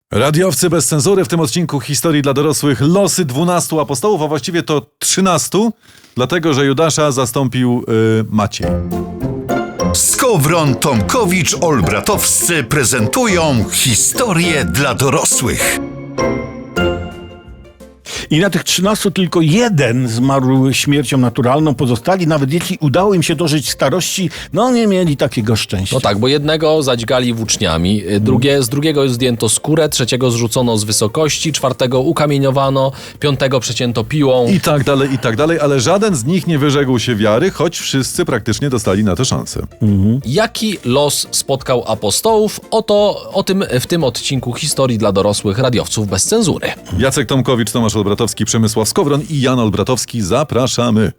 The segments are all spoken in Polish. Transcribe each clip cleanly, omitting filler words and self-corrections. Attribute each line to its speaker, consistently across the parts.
Speaker 1: Radiowcy bez cenzury, w tym odcinku historii dla dorosłych losy 12 apostołów, a właściwie to 13, dlatego że Judasza zastąpił Maciej.
Speaker 2: Skowron, Tomkowicz, Olbratowscy prezentują historię dla dorosłych.
Speaker 3: I na tych 13 tylko jeden zmarł śmiercią naturalną. Pozostali, nawet jeśli udało im się dożyć starości, nie mieli takiego szczęścia.
Speaker 4: No tak, bo jednego zadźgali włóczniami, z drugiego zdjęto skórę, trzeciego zrzucono z wysokości, czwartego ukamieniowano, piątego przecięto piłą.
Speaker 1: I tak dalej, ale żaden z nich nie wyrzekł się wiary, choć wszyscy praktycznie dostali na to szansę.
Speaker 4: Jaki los spotkał apostołów? O tym w tym odcinku historii dla dorosłych radiowców bez cenzury.
Speaker 1: Jacek Tomkowicz, Tomasz Olbratowski, Przemysław Skowron i Jan Olbratowski. Zapraszamy.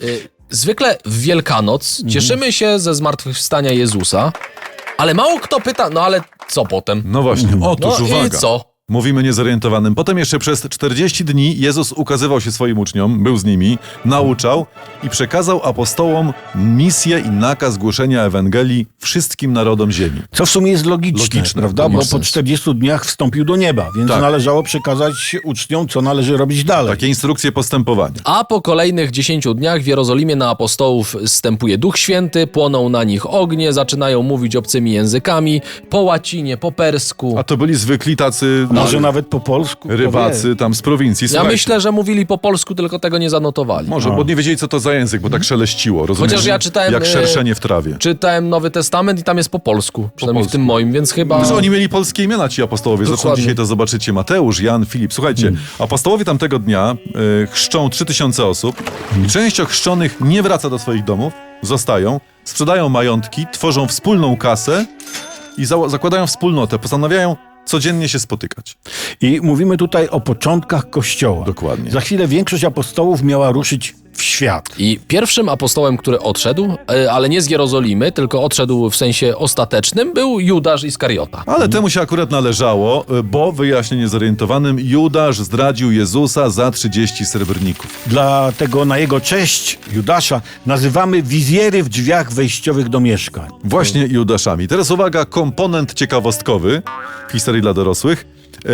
Speaker 4: Zwykle w Wielkanoc cieszymy się ze zmartwychwstania Jezusa, ale mało kto pyta, ale co potem?
Speaker 1: No właśnie, otóż uwaga.
Speaker 4: I co?
Speaker 1: Mówimy niezorientowanym. Potem jeszcze przez 40 dni Jezus ukazywał się swoim uczniom, był z nimi, nauczał i przekazał apostołom misję i nakaz głoszenia Ewangelii wszystkim narodom ziemi.
Speaker 3: Co w sumie jest logiczne, prawda? Bo po 40 dniach wstąpił do nieba, więc należało przekazać uczniom, co należy robić dalej.
Speaker 1: Takie instrukcje postępowania.
Speaker 4: A po kolejnych 10 dniach w Jerozolimie na apostołów zstępuje Duch Święty, płoną na nich ognie, zaczynają mówić obcymi językami, po łacinie, po persku.
Speaker 1: A to byli zwykli tacy...
Speaker 3: Może nawet po polsku.
Speaker 1: Rybacy tam z prowincji.
Speaker 4: Ja myślę, że mówili po polsku, tylko tego nie zanotowali.
Speaker 1: Może, bo nie wiedzieli, co to za język, bo tak szeleściło, rozumiesz?
Speaker 4: Chociaż ja czytałem...
Speaker 1: Jak szerszenie w trawie.
Speaker 4: Czytałem Nowy Testament i tam jest po polsku. Przynajmniej w tym moim, więc chyba...
Speaker 1: Że oni mieli polskie imiona, ci apostołowie. Zresztą
Speaker 4: Dokładnie.
Speaker 1: dzisiaj to zobaczycie. Mateusz, Jan, Filip. Słuchajcie, apostołowie tamtego dnia chrzczą 3000 osób i część ochrzczonych nie wraca do swoich domów, zostają, sprzedają majątki, tworzą wspólną kasę i zakładają wspólnotę. Postanawiają codziennie się spotykać.
Speaker 3: I mówimy tutaj o początkach Kościoła.
Speaker 1: Dokładnie.
Speaker 3: Za chwilę większość apostołów miała ruszyć w świat.
Speaker 4: I pierwszym apostołem, który odszedł, ale nie z Jerozolimy, tylko odszedł w sensie ostatecznym, był Judasz Iskariota.
Speaker 1: Ale temu się akurat należało, bo, wyjaśnię niezorientowanym, Judasz zdradził Jezusa za 30 srebrników.
Speaker 3: Dlatego na jego cześć, Judasza, nazywamy wizjery w drzwiach wejściowych do mieszkań.
Speaker 1: Właśnie Judaszami. Teraz uwaga, komponent ciekawostkowy w historii dla dorosłych.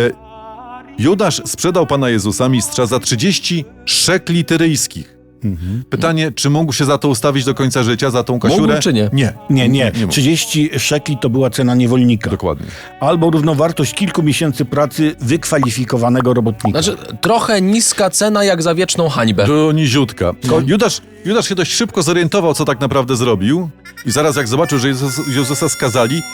Speaker 1: Judasz sprzedał Pana Jezusa, mistrza, za 30 szekli tyryjskich. Pytanie, czy mógł się za to ustawić do końca życia, za tą kasiurę?
Speaker 4: Mógł czy nie?
Speaker 3: Nie.
Speaker 1: mógł.
Speaker 3: 30 szekli to była cena niewolnika.
Speaker 1: Dokładnie.
Speaker 3: Albo równowartość kilku miesięcy pracy wykwalifikowanego robotnika.
Speaker 4: Znaczy, trochę niska cena jak za wieczną hańbę.
Speaker 1: To niziutka. Judasz się dość szybko zorientował, co tak naprawdę zrobił i zaraz jak zobaczył, że Jezusa skazali,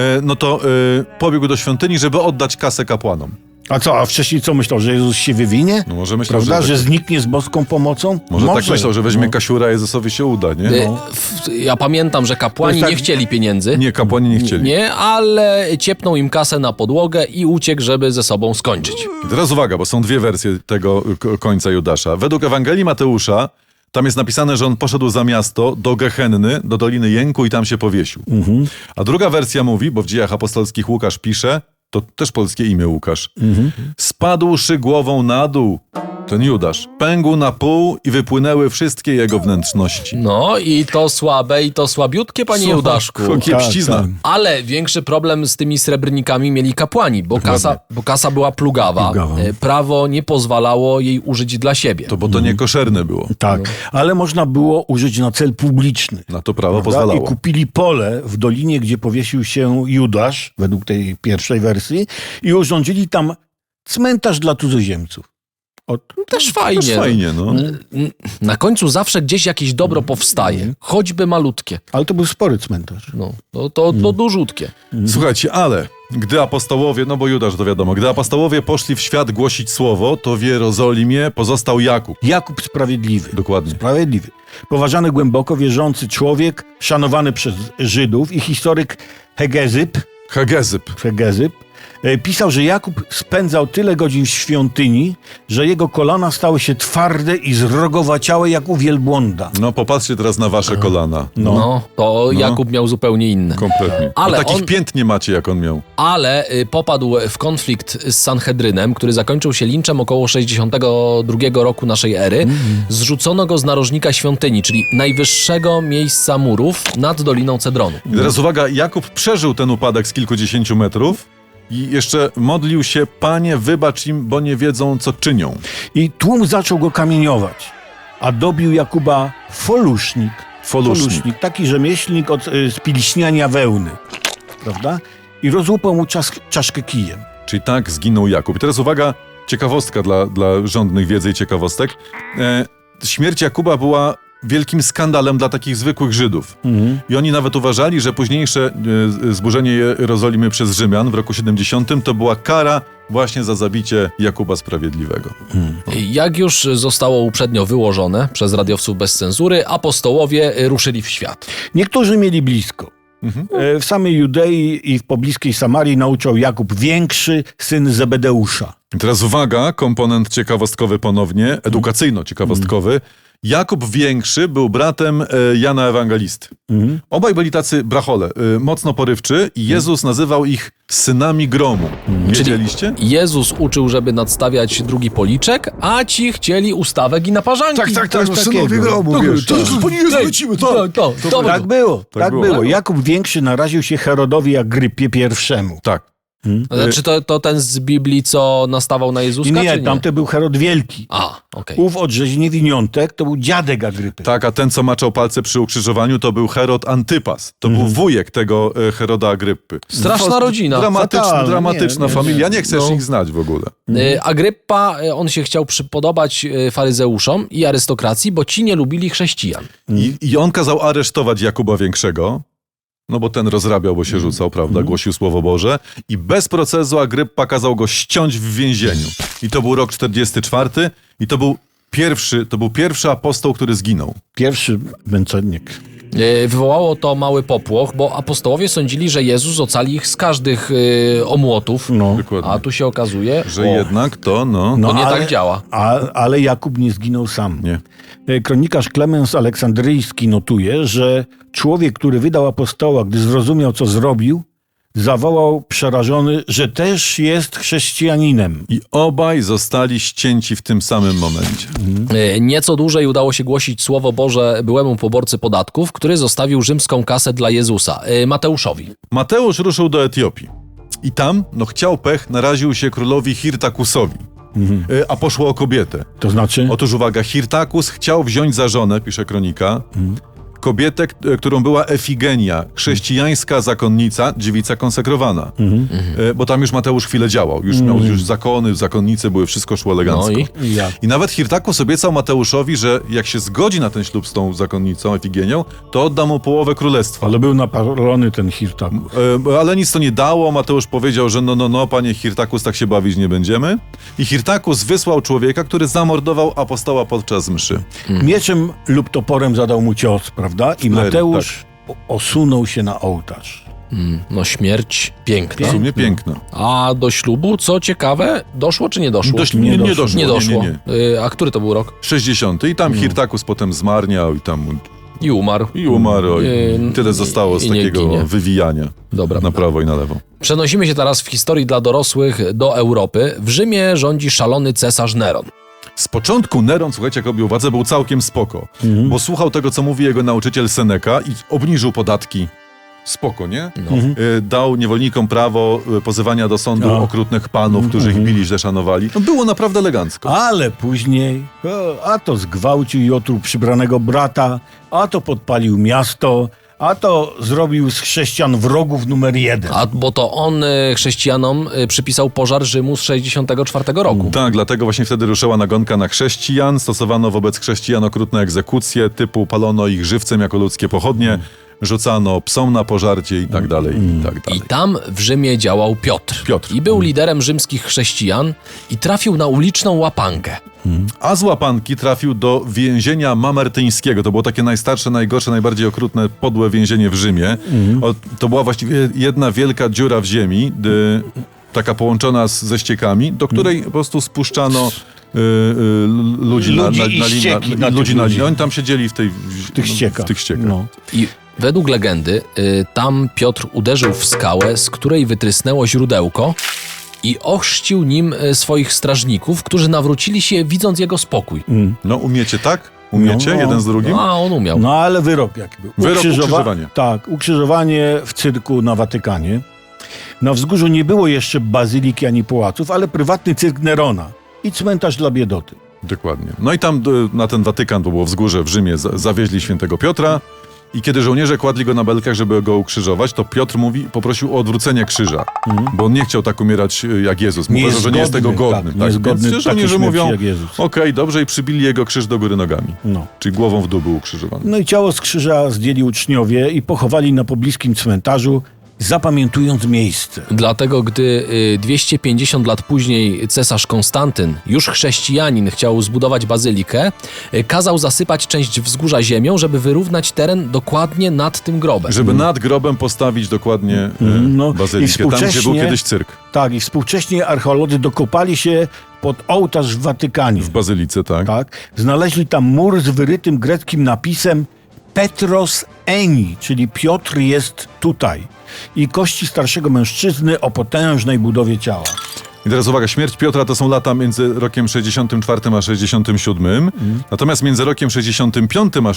Speaker 1: pobiegł do świątyni, żeby oddać kasę kapłanom.
Speaker 3: A wcześniej co myślał, że Jezus się wywinie?
Speaker 1: No może myślał,
Speaker 3: Prawda,
Speaker 1: że
Speaker 3: zniknie z boską pomocą?
Speaker 1: Może tak myślał, że weźmie kasiura, Jezusowi się uda, nie?
Speaker 4: Ja pamiętam, że kapłani
Speaker 3: To jest
Speaker 4: nie chcieli pieniędzy.
Speaker 1: Nie, kapłani nie chcieli.
Speaker 4: Nie, ale ciepnął im kasę na podłogę i uciekł, żeby ze sobą skończyć.
Speaker 1: I teraz uwaga, bo są dwie wersje tego końca Judasza. Według Ewangelii Mateusza tam jest napisane, że on poszedł za miasto do Gehenny, do Doliny Jęku i tam się powiesił. A druga wersja mówi, bo w Dziejach Apostolskich Łukasz pisze, to też polskie imię Łukasz, spadłszy głową na dół, ten Judasz, pękł na pół i wypłynęły wszystkie jego wnętrzności.
Speaker 4: No i to słabe, i to słabiutkie, panie Judaszku.
Speaker 1: Kiepścizna.
Speaker 3: Tak.
Speaker 4: Ale większy problem z tymi srebrnikami mieli kapłani, bo kasa była plugawa. Prawo nie pozwalało jej użyć dla siebie.
Speaker 1: Bo to niekoszerne było.
Speaker 3: Tak, ale można było użyć na cel publiczny.
Speaker 1: Na to prawo
Speaker 3: Prawda?
Speaker 1: pozwalało.
Speaker 3: I kupili pole w dolinie, gdzie powiesił się Judasz, według tej pierwszej wersji, i urządzili tam cmentarz dla cudzoziemców.
Speaker 4: Też fajnie.
Speaker 1: Też fajnie, no.
Speaker 4: Na końcu zawsze gdzieś jakieś dobro powstaje, choćby malutkie.
Speaker 3: Ale to był spory cmentarz.
Speaker 4: To dużutkie.
Speaker 1: Słuchajcie, ale gdy apostołowie, bo Judasz to wiadomo, gdy apostołowie poszli w świat głosić słowo, to w Jerozolimie pozostał Jakub.
Speaker 3: Jakub Sprawiedliwy.
Speaker 1: Dokładnie.
Speaker 3: Sprawiedliwy. Poważany głęboko wierzący człowiek, szanowany przez Żydów i historyk Hegezyp pisał, że Jakub spędzał tyle godzin w świątyni, że jego kolana stały się twarde i zrogowaciałe jak u wielbłąda.
Speaker 1: No popatrzcie teraz na wasze kolana.
Speaker 4: Jakub miał zupełnie inne.
Speaker 1: Kompletnie.
Speaker 4: Ale
Speaker 1: takich pięt nie macie, jak on miał.
Speaker 4: Ale popadł w konflikt z Sanhedrynem, który zakończył się linczem około 62 roku naszej ery. Zrzucono go z narożnika świątyni, czyli najwyższego miejsca murów nad Doliną Cedronu.
Speaker 1: I teraz uwaga, Jakub przeżył ten upadek z kilkudziesięciu metrów I jeszcze modlił się, Panie, wybacz im, bo nie wiedzą, co czynią.
Speaker 3: I tłum zaczął go kamieniować, a dobił Jakuba Folusznik.
Speaker 1: Folusznik.
Speaker 3: Taki rzemieślnik od spiliśniania wełny, prawda? I rozłupał mu czaszkę kijem.
Speaker 1: Czyli tak zginął Jakub. I teraz uwaga, ciekawostka dla żądnych wiedzy i ciekawostek. Śmierć Jakuba była wielkim skandalem dla takich zwykłych Żydów. I oni nawet uważali, że późniejsze zburzenie Jerozolimy przez Rzymian w roku 70 to była kara właśnie za zabicie Jakuba Sprawiedliwego.
Speaker 4: Jak już zostało uprzednio wyłożone przez radiowców bez cenzury, apostołowie ruszyli w świat.
Speaker 3: Niektórzy mieli blisko. W samej Judei i w pobliskiej Samarii nauczał Jakub Większy, syn Zebedeusza.
Speaker 1: I teraz uwaga, komponent ciekawostkowy ponownie, edukacyjno-ciekawostkowy. Jakub Większy był bratem Jana Ewangelisty. Obaj byli tacy brachole, mocno porywczy i Jezus nazywał ich synami gromu. Wiedzieliście?
Speaker 4: Jezus uczył, żeby nadstawiać drugi policzek, a ci chcieli ustawek i naparzanki.
Speaker 2: synowie gromu, wiesz.
Speaker 3: Tak było, tak
Speaker 1: było.
Speaker 3: było. Jakub Większy naraził się Herodowi Agrypie I.
Speaker 1: Tak.
Speaker 4: Znaczy to ten z Biblii, co nastawał na Jezuska, czy
Speaker 3: Nie,
Speaker 4: nie?
Speaker 3: tamten był Herod Wielki.
Speaker 4: Okej.
Speaker 3: Ów od rzeźni winiątek to był dziadek Agrypy.
Speaker 1: Tak, a ten, co maczał palce przy ukrzyżowaniu, to był Herod Antypas. To był wujek tego Heroda Agryppy.
Speaker 4: Straszna rodzina.
Speaker 3: Fatalne,
Speaker 1: Dramatyczna
Speaker 3: nie,
Speaker 1: familia. Nie chcesz
Speaker 4: No.
Speaker 1: ich znać w ogóle.
Speaker 4: Agryppa, on się chciał przypodobać faryzeuszom i arystokracji, bo ci nie lubili chrześcijan.
Speaker 1: I on kazał aresztować Jakuba Większego, no bo ten rozrabiał, bo się rzucał, prawda, głosił Słowo Boże. I bez procesu Agryppa kazał go ściąć w więzieniu. I to był rok 44 i to był pierwszy apostoł, który zginął.
Speaker 3: Pierwszy męczennik.
Speaker 4: Wywołało to mały popłoch, bo apostołowie sądzili, że Jezus ocali ich z każdych omłotów,
Speaker 3: No.
Speaker 1: Dokładnie.
Speaker 4: a tu się okazuje,
Speaker 1: Że jednak to, no
Speaker 4: nie tak działa.
Speaker 3: Ale Jakub nie zginął sam.
Speaker 1: nie.
Speaker 3: Kronikarz Klemens Aleksandryjski notuje, że człowiek, który wydał apostoła, gdy zrozumiał, co zrobił, zawołał przerażony, że też jest chrześcijaninem.
Speaker 1: I obaj zostali ścięci w tym samym momencie.
Speaker 4: Nieco dłużej udało się głosić Słowo Boże byłemu poborcy podatków, który zostawił rzymską kasę dla Jezusa, Mateuszowi.
Speaker 1: Mateusz ruszył do Etiopii. I tam, chciał pech, naraził się królowi Hirtakusowi. A poszło o kobietę.
Speaker 3: To znaczy?
Speaker 1: Otóż uwaga, Hirtakus chciał wziąć za żonę, pisze kronika, kobietę, którą była Efigenia, chrześcijańska zakonnica, dziewica konsekrowana. Bo tam już Mateusz chwilę działał. Już miał zakony, zakonnice były, wszystko szło elegancko.
Speaker 4: No
Speaker 3: Jak?
Speaker 1: I nawet Hirtakus obiecał Mateuszowi, że jak się zgodzi na ten ślub z tą zakonnicą, Efigenią, to odda mu połowę królestwa.
Speaker 3: Ale był napalony ten Hirtakus.
Speaker 1: Ale nic to nie dało. Mateusz powiedział, że no, panie Hirtakus, tak się bawić nie będziemy. I Hirtakus wysłał człowieka, który zamordował apostoła podczas mszy.
Speaker 3: Mieczem lub toporem zadał mu cios, prawda? I Mateusz osunął się na ołtarz.
Speaker 4: No śmierć piękna.
Speaker 1: W sumie piękna.
Speaker 4: A do ślubu, co ciekawe, doszło czy nie doszło?
Speaker 1: Nie doszło.
Speaker 4: Nie doszło.
Speaker 1: Nie.
Speaker 4: A który to był rok?
Speaker 1: 60. I tam Hirtakus potem zmarniał
Speaker 4: I umarł.
Speaker 1: i umarł. I tyle zostało z
Speaker 4: i nie
Speaker 1: takiego
Speaker 4: ginie.
Speaker 1: wywijania
Speaker 4: Dobra.
Speaker 1: na prawo i na lewo.
Speaker 4: Przenosimy się teraz w historii dla dorosłych do Europy. W Rzymie rządzi szalony cesarz Neron.
Speaker 1: Z początku Neron, słuchajcie, jak robił władzę, był całkiem spoko. Bo słuchał tego, co mówi jego nauczyciel Seneca i obniżył podatki. Spoko, nie? Dał niewolnikom prawo pozywania do sądu okrutnych panów, którzy ich bili, źle szanowali. No było naprawdę elegancko.
Speaker 3: Ale później, a to zgwałcił i otruł przybranego brata, a to podpalił miasto, a to zrobił z chrześcijan wrogów numer 1.
Speaker 4: Bo to on chrześcijanom przypisał pożar Rzymu z 64 roku.
Speaker 1: Tak, dlatego właśnie wtedy ruszyła nagonka na chrześcijan. Stosowano wobec chrześcijan okrutne egzekucje, typu palono ich żywcem jako ludzkie pochodnie, rzucano psom na pożarcie i tak dalej, i tak dalej.
Speaker 4: I tam w Rzymie działał Piotr.
Speaker 1: Piotr.
Speaker 4: I był liderem rzymskich chrześcijan i trafił na uliczną łapankę.
Speaker 1: A z łapanki trafił do więzienia mamertyńskiego. To było takie najstarsze, najgorsze, najbardziej okrutne, podłe więzienie w Rzymie. To była właściwie jedna wielka dziura w ziemi, taka połączona ze ściekami, do której po prostu spuszczano ludzi na linii. Oni tam siedzieli w
Speaker 3: tych ściekach.
Speaker 1: W tych ściekach.
Speaker 3: No.
Speaker 4: I według legendy tam Piotr uderzył w skałę, z której wytrysnęło źródełko i ochrzcił nim swoich strażników, którzy nawrócili się, widząc jego spokój.
Speaker 1: No umiecie, tak? Umiecie?
Speaker 3: No.
Speaker 1: Jeden z drugim?
Speaker 4: A on umiał.
Speaker 3: No ale wyrok jaki był?
Speaker 1: Wyrok ukrzyżowanie.
Speaker 3: Tak, ukrzyżowanie w cyrku na Watykanie. Na Wzgórzu nie było jeszcze bazyliki ani pałaców, ale prywatny cyrk Nerona i cmentarz dla biedoty.
Speaker 1: Dokładnie. No i tam na ten Watykan, to było wzgórze w Rzymie, zawieźli świętego Piotra i kiedy żołnierze kładli go na belkach, żeby go ukrzyżować, to Piotr poprosił o odwrócenie krzyża, bo on nie chciał tak umierać jak Jezus. Uważał, że nie jest tego godny.
Speaker 3: niezgodny
Speaker 1: Więc
Speaker 3: takiej
Speaker 1: żołnierze
Speaker 3: śmierci
Speaker 1: mówią,
Speaker 3: jak Jezus.
Speaker 1: okej, dobrze, i przybili jego krzyż do góry nogami.
Speaker 3: No.
Speaker 1: Czyli głową w dół był ukrzyżowany.
Speaker 3: No i ciało z krzyża zdjęli uczniowie i pochowali na pobliskim cmentarzu, zapamiętując miejsce.
Speaker 4: Dlatego, gdy 250 lat później cesarz Konstantyn, już chrześcijanin, chciał zbudować bazylikę, kazał zasypać część wzgórza ziemią, żeby wyrównać teren dokładnie nad tym grobem.
Speaker 1: Żeby nad grobem postawić dokładnie
Speaker 3: No, i
Speaker 1: bazylikę, tam gdzie był
Speaker 3: współcześnie-
Speaker 1: kiedyś cyrk.
Speaker 3: Tak, i współcześnie archeolodzy dokopali się pod ołtarz w Watykanie.
Speaker 1: W bazylice, tak.
Speaker 3: Tak, znaleźli tam mur z wyrytym greckim napisem Petros Eni, czyli Piotr jest tutaj. I kości starszego mężczyzny o potężnej budowie ciała.
Speaker 1: I teraz uwaga, śmierć Piotra to są lata między rokiem 64 a 67. Natomiast między rokiem 65 a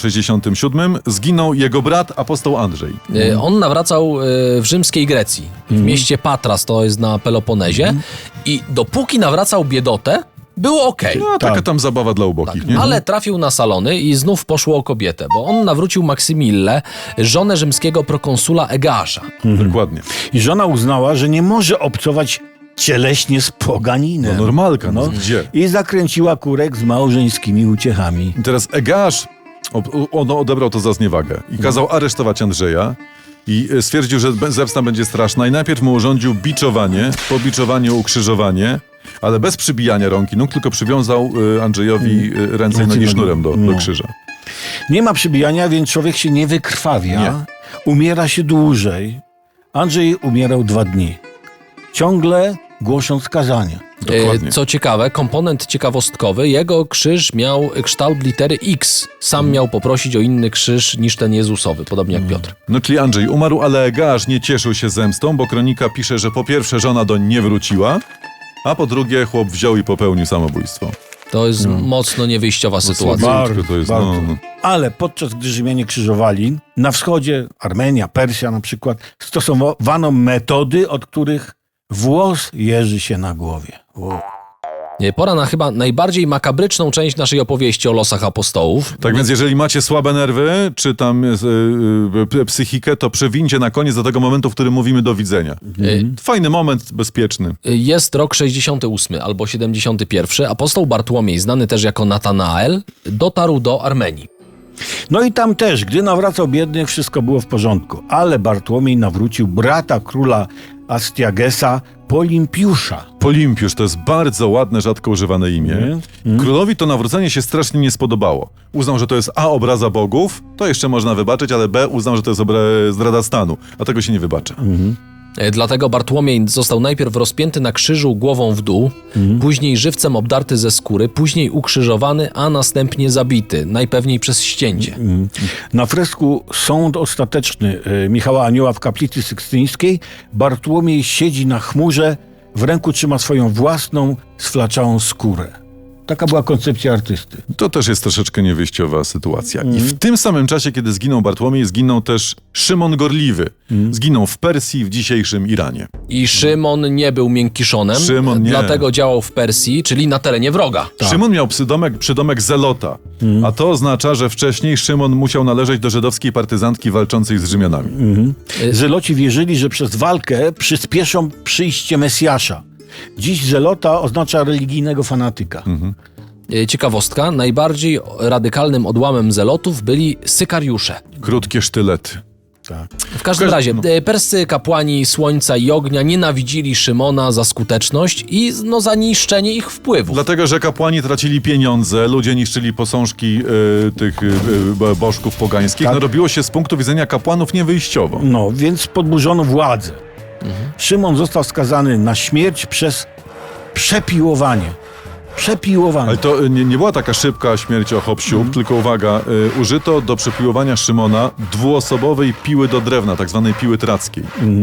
Speaker 1: 67 zginął jego brat, apostoł Andrzej.
Speaker 4: On nawracał w rzymskiej Grecji, w mieście Patras, to jest na Peloponezie, i dopóki nawracał biedotę, było okej.
Speaker 1: No, taka tam zabawa dla ubogich, nie?
Speaker 4: Ale trafił na Salony i znów poszło o kobietę, bo on nawrócił Maksymillę, żonę rzymskiego prokonsula Egeasza.
Speaker 1: Dokładnie.
Speaker 3: I żona uznała, że nie może obcować cieleśnie z poganinem.
Speaker 1: No normalka, no gdzie?
Speaker 3: I zakręciła kurek z małżeńskimi uciechami.
Speaker 1: I teraz Egeasz, on odebrał to za zniewagę i kazał aresztować Andrzeja i stwierdził, że zemsta będzie straszna i najpierw mu urządził biczowanie, po biczowaniu ukrzyżowanie, ale bez przybijania rąk i nóg, tylko przywiązał Andrzejowi ręce i nogi sznurem do krzyża.
Speaker 3: Nie ma przybijania, więc człowiek się nie wykrwawia.
Speaker 1: Nie.
Speaker 3: Umiera się dłużej. Andrzej umierał 2 dni. Ciągle głosząc kazania.
Speaker 1: Dokładnie.
Speaker 4: Co ciekawe, komponent ciekawostkowy, jego krzyż miał kształt litery X. Sam miał poprosić o inny krzyż niż ten Jezusowy, podobnie jak Piotr.
Speaker 1: No czyli Andrzej umarł, ale Egeasz nie cieszył się zemstą, bo kronika pisze, że po pierwsze żona doń nie wróciła, a po drugie chłop wziął i popełnił samobójstwo.
Speaker 4: To jest mocno niewyjściowa sytuacja.
Speaker 3: Bardzo,
Speaker 1: to jest,
Speaker 3: bardzo.
Speaker 1: no.
Speaker 3: Ale podczas gdy Rzymianie krzyżowali, na wschodzie, Armenia, Persja na przykład, stosowano metody, od których włos jeży się na głowie. Wow.
Speaker 4: Pora na chyba najbardziej makabryczną część naszej opowieści o losach apostołów.
Speaker 1: Tak więc jeżeli macie słabe nerwy, czy tam psychikę, to przewincie na koniec do tego momentu, w którym mówimy do widzenia. Fajny moment, bezpieczny.
Speaker 4: Jest rok 68 albo 71. Apostoł Bartłomiej, znany też jako Natanael, dotarł do Armenii.
Speaker 3: No i tam też, gdy nawracał biednych, wszystko było w porządku. Ale Bartłomiej nawrócił brata króla Astiagesa, Polimpiusza.
Speaker 1: Polimpiusz to jest bardzo ładne, rzadko używane imię. Królowi to nawrócenie się strasznie nie spodobało. Uznał, że to jest A, obraza bogów, to jeszcze można wybaczyć, ale B, uznał, że to jest zdrada stanu, a tego się nie wybacza.
Speaker 4: Dlatego Bartłomiej został najpierw rozpięty na krzyżu głową w dół, później żywcem obdarty ze skóry, później ukrzyżowany, a następnie zabity, najpewniej przez ścięcie.
Speaker 3: Na fresku Sąd Ostateczny Michała Anioła w kaplicy sykstyńskiej Bartłomiej siedzi na chmurze, w ręku trzyma swoją własną, sflaczałą skórę. Taka była koncepcja artysty.
Speaker 1: To też jest troszeczkę niewyjściowa sytuacja. I w tym samym czasie, kiedy zginął Bartłomiej, zginął też Szymon Gorliwy. Zginął w Persji, w dzisiejszym Iranie.
Speaker 4: I Szymon nie był miękkiszonem,
Speaker 1: Szymon nie.
Speaker 4: dlatego działał w Persji, czyli na terenie wroga.
Speaker 1: Szymon miał przydomek Zelota, a to oznacza, że wcześniej Szymon musiał należeć do żydowskiej partyzantki walczącej z Rzymianami.
Speaker 3: Zeloci wierzyli, że przez walkę przyspieszą przyjście Mesjasza. Dziś zelota oznacza religijnego fanatyka.
Speaker 4: Ciekawostka, najbardziej radykalnym odłamem zelotów byli sykariusze.
Speaker 1: Krótkie sztylety.
Speaker 3: Tak.
Speaker 4: W każdym razie, perscy kapłani Słońca i Ognia nienawidzili Szymona za skuteczność i za niszczenie ich wpływów.
Speaker 1: Dlatego, że kapłani tracili pieniądze, ludzie niszczyli posążki tych bożków pogańskich.
Speaker 3: Tak.
Speaker 1: No robiło się z punktu widzenia kapłanów niewyjściowo.
Speaker 3: No, więc podburzono władzę. Szymon został skazany na śmierć przez przepiłowanie. Przepiłowanie.
Speaker 1: Ale to nie była taka szybka śmierć o hop-siup, tylko uwaga, użyto do przepiłowania Szymona dwuosobowej piły do drewna, tak zwanej piły trackiej.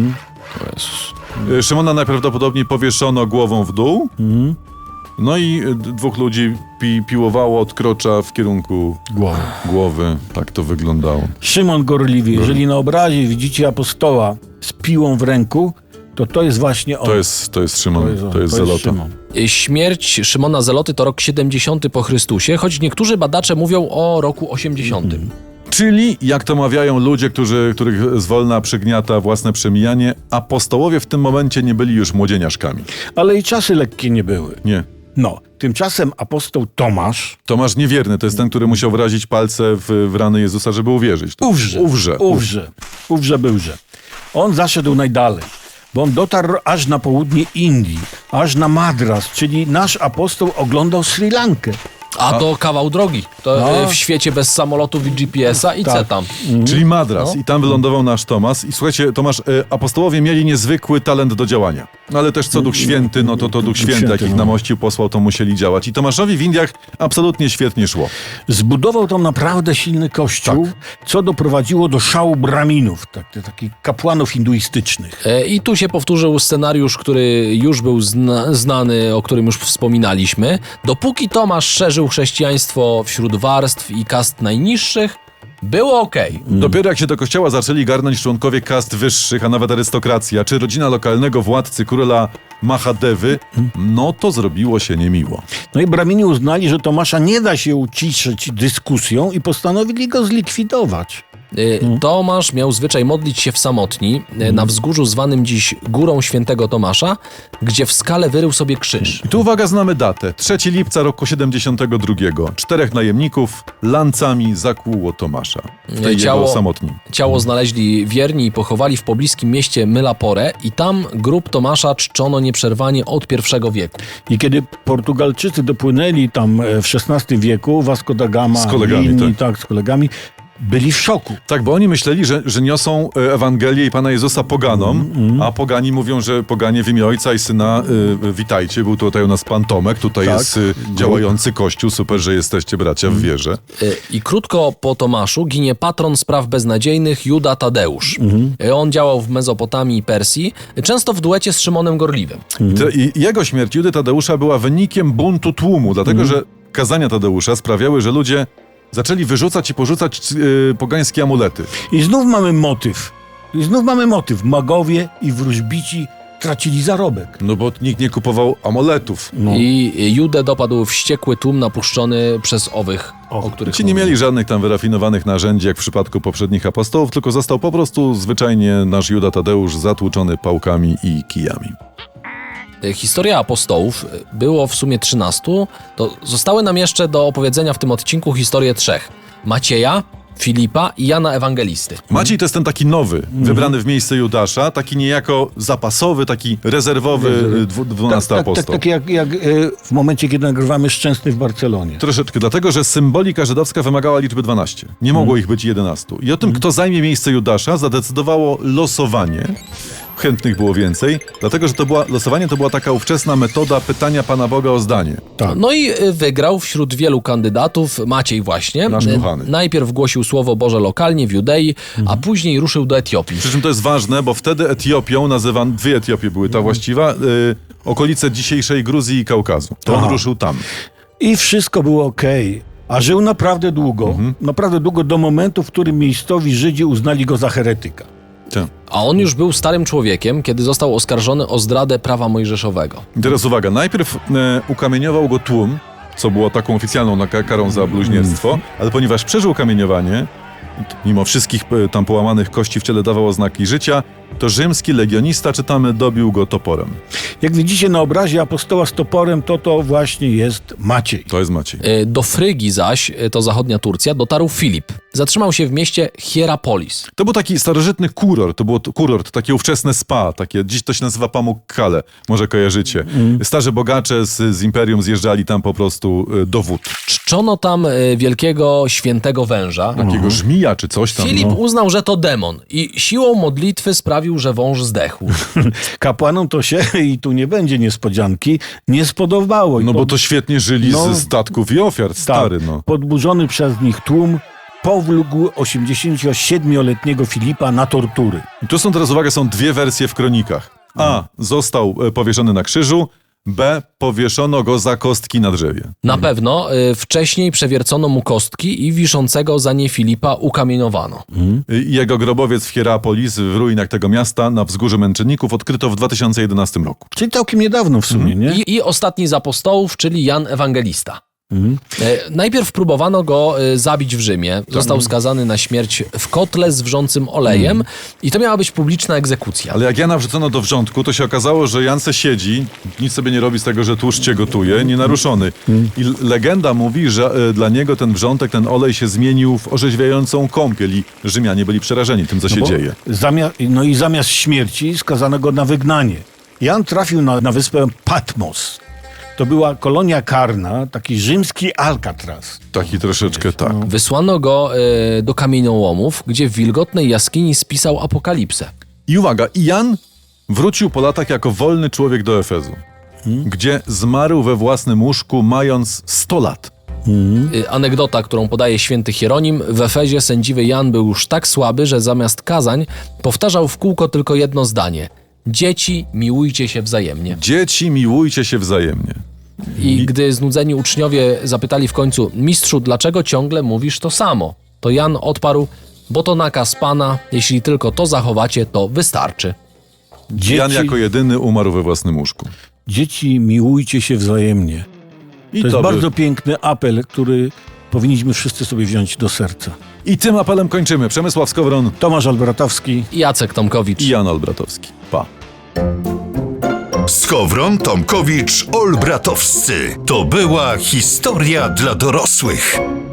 Speaker 1: Szymona najprawdopodobniej powieszono głową w dół, no i 2 ludzi piłowało od krocza w kierunku głowy. Tak to wyglądało.
Speaker 3: Szymon Gorliwy, jeżeli na obrazie widzicie apostoła z piłą w ręku, To jest właśnie on.
Speaker 1: To jest Szymon, to jest Zelota.
Speaker 3: Szymon.
Speaker 4: Śmierć Szymona Zeloty to rok 70 po Chrystusie, choć niektórzy badacze mówią o roku 80.
Speaker 1: Czyli, jak to mawiają ludzie, których zwolna przygniata własne przemijanie, apostołowie w tym momencie nie byli już młodzieniaszkami.
Speaker 3: Ale i czasy lekkie nie były.
Speaker 1: Nie.
Speaker 3: No, tymczasem apostoł Tomasz
Speaker 1: Tomasz Niewierny to jest ten, który musiał wyrazić palce w rany Jezusa, żeby uwierzyć.
Speaker 3: Ówrze byłże. On zaszedł najdalej, bo on dotarł aż na południe Indii, aż na Madras, czyli nasz apostoł oglądał Sri Lankę.
Speaker 4: A to kawał drogi. To
Speaker 3: No.
Speaker 4: w świecie bez samolotów i GPS-a i
Speaker 3: Tak.
Speaker 4: co tam?
Speaker 1: Czyli Madras. I tam wylądował nasz Tomasz. I słuchajcie, Tomasz, apostołowie mieli niezwykły talent do działania. No ale też co Duch Święty, no to Duch Święty, jak ich namościł, posłał, to musieli działać. I Tomaszowi w Indiach absolutnie świetnie szło.
Speaker 3: Zbudował tam naprawdę silny kościół, co doprowadziło do szału braminów, takich kapłanów hinduistycznych.
Speaker 4: I tu się powtórzył scenariusz, który już był znany, o którym już wspominaliśmy. Dopóki Tomasz szerzył chrześcijaństwo wśród warstw i kast najniższych, było okej.
Speaker 1: Dopiero jak się do kościoła zaczęli garnąć członkowie kast wyższych, a nawet arystokracja, czy rodzina lokalnego władcy króla Mahadewy, no to zrobiło się niemiło.
Speaker 3: No i bramini uznali, że Tomasza nie da się uciszyć dyskusją i postanowili go zlikwidować.
Speaker 4: Tomasz miał zwyczaj modlić się w samotni na wzgórzu zwanym dziś Górą Świętego Tomasza, gdzie w skale wyrył sobie krzyż.
Speaker 1: I tu uwaga, znamy datę. 3 lipca roku 72. 4 najemników lancami zakłuło Tomasza w tej jego samotni.
Speaker 4: Ciało znaleźli wierni i pochowali w pobliskim mieście Mylapore i tam grób Tomasza czczono nieprzerwanie od I wieku.
Speaker 3: I kiedy Portugalczycy dopłynęli tam w XVI wieku, Vasco da Gama
Speaker 1: Z kolegami,
Speaker 3: i inni,
Speaker 1: tak.
Speaker 3: z kolegami, byli w szoku.
Speaker 1: Tak, bo oni myśleli, że niosą Ewangelię i Pana Jezusa poganom, a pogani mówią, że poganie w imię Ojca i Syna, witajcie, był tutaj u nas Pan Tomek, tutaj
Speaker 3: Tak.
Speaker 1: jest działający Kościół, super, że jesteście bracia w wierze.
Speaker 4: I krótko po Tomaszu ginie patron spraw beznadziejnych Juda Tadeusz. On działał w Mezopotamii i Persji, często w duecie z Szymonem Gorliwym.
Speaker 1: I jego śmierć Judy Tadeusza była wynikiem buntu tłumu, dlatego że kazania Tadeusza sprawiały, że ludzie zaczęli wyrzucać i porzucać pogańskie amulety.
Speaker 3: I znów mamy motyw. Magowie i wróżbici tracili zarobek.
Speaker 1: No bo nikt nie kupował amuletów.
Speaker 3: No.
Speaker 4: I Judę dopadł wściekły tłum napuszczony przez owych, o których
Speaker 1: Ci nie mieli żadnych tam wyrafinowanych narzędzi, jak w przypadku poprzednich apostołów, tylko został po prostu zwyczajnie nasz Juda Tadeusz zatłuczony pałkami i kijami.
Speaker 4: Historia apostołów było w sumie 13, to zostały nam jeszcze do opowiedzenia w tym odcinku historie 3. Macieja, Filipa i Jana Ewangelisty.
Speaker 1: Maciej to jest ten taki nowy, wybrany w miejsce Judasza, taki niejako zapasowy, taki rezerwowy 12 apostoł.
Speaker 3: Tak jak w momencie, kiedy nagrywamy Szczęsny w Barcelonie.
Speaker 1: Troszeczkę, dlatego że symbolika żydowska wymagała liczby 12. Nie mogło ich być 11. I o tym, kto zajmie miejsce Judasza, zadecydowało losowanie. Chętnych było więcej, dlatego że losowanie to była taka ówczesna metoda pytania Pana Boga o zdanie.
Speaker 3: Tak.
Speaker 4: No i wygrał wśród wielu kandydatów Maciej właśnie.
Speaker 1: Nasz kochany.
Speaker 4: Najpierw głosił Słowo Boże lokalnie w Judei, a później ruszył do Etiopii.
Speaker 1: Przy czym to jest ważne, bo wtedy Etiopią nazywano, dwie Etiopie były ta właściwa, okolice dzisiejszej Gruzji i Kaukazu. To on ruszył tam.
Speaker 3: I wszystko było okej. A żył naprawdę długo do momentu, w którym miejscowi Żydzi uznali go za heretyka.
Speaker 1: Tak.
Speaker 4: A on już był starym człowiekiem, kiedy został oskarżony o zdradę prawa mojżeszowego.
Speaker 1: I teraz uwaga, najpierw ukamieniował go tłum, co było taką oficjalną karą za bluźnierstwo, ale ponieważ przeżył kamieniowanie, mimo wszystkich tam połamanych kości w ciele dawał oznaki życia, to rzymski legionista, czytamy, dobił go toporem.
Speaker 3: Jak widzicie na obrazie apostoła z toporem, to właśnie jest Maciej.
Speaker 1: To jest Maciej.
Speaker 4: Do Frygii zaś, to zachodnia Turcja, dotarł Filip. Zatrzymał się w mieście Hierapolis.
Speaker 1: To był taki starożytny kurort, to było kurort, takie ówczesne spa, takie, dziś to się nazywa Pamukkale, może kojarzycie. Starzy bogacze z imperium zjeżdżali tam po prostu do wód.
Speaker 4: Czczono tam wielkiego świętego węża.
Speaker 1: Takiego żmija czy coś tam.
Speaker 4: Filip uznał, że to demon i siłą modlitwy sprawił, że wąż zdechł.
Speaker 3: Kapłanom to się, i tu nie będzie niespodzianki, nie spodobało. I
Speaker 1: No bo to świetnie żyli ze statków i ofiar, stary, no.
Speaker 3: Podburzony przez nich tłum powlógł 87-letniego Filipa na tortury.
Speaker 1: I tu są teraz, uwaga, są dwie wersje w kronikach. A. Został powieszony na krzyżu, B. Powieszono go za kostki na drzewie.
Speaker 4: Na pewno wcześniej przewiercono mu kostki i wiszącego za nie Filipa ukamienowano.
Speaker 1: Jego grobowiec w Hierapolis, w ruinach tego miasta, na wzgórzu Męczenników, odkryto w 2011 roku.
Speaker 3: Czyli całkiem niedawno w sumie, nie?
Speaker 4: I ostatni z apostołów, czyli Jan Ewangelista. Najpierw próbowano go zabić w Rzymie. Został skazany na śmierć w kotle z wrzącym olejem i to miała być publiczna egzekucja.
Speaker 1: Ale jak Jana wrzucono do wrzątku, to się okazało, że Jan se siedzi, nic sobie nie robi z tego, że tłuszcz cię gotuje, nienaruszony. I legenda mówi, że dla niego ten wrzątek, ten olej się zmienił w orzeźwiającą kąpiel i Rzymianie byli przerażeni tym, co się dzieje.
Speaker 3: Zamiast śmierci skazano go na wygnanie. Jan trafił na wyspę Patmos. To była kolonia karna, taki rzymski Alcatraz.
Speaker 1: Taki troszeczkę tak.
Speaker 4: Wysłano go do kamieniołomów, gdzie w wilgotnej jaskini spisał apokalipsę.
Speaker 1: I uwaga, i Jan wrócił po latach jako wolny człowiek do Efezu, gdzie zmarł we własnym łóżku, mając 100 lat.
Speaker 4: Anegdota, którą podaje święty Hieronim, w Efezie sędziwy Jan był już tak słaby, że zamiast kazań powtarzał w kółko tylko jedno zdanie. Dzieci, miłujcie się wzajemnie.
Speaker 1: Dzieci, miłujcie się wzajemnie.
Speaker 4: I gdy znudzeni uczniowie zapytali w końcu, mistrzu, dlaczego ciągle mówisz to samo? To Jan odparł, bo to nakaz Pana, jeśli tylko to zachowacie, to wystarczy.
Speaker 1: Jan jako jedyny umarł we własnym łóżku.
Speaker 3: Dzieci, miłujcie się wzajemnie.
Speaker 1: I
Speaker 3: To jest
Speaker 1: by-
Speaker 3: bardzo piękny apel, który powinniśmy wszyscy sobie wziąć do serca.
Speaker 1: I tym apelem kończymy. Przemysław Skowron
Speaker 3: Tomasz Albratowski.
Speaker 4: I Jacek Tomkowicz.
Speaker 1: i Jan Olbratowski. Pa.
Speaker 2: Skowron, Tomkowicz, Olbratowscy. To była historia dla dorosłych.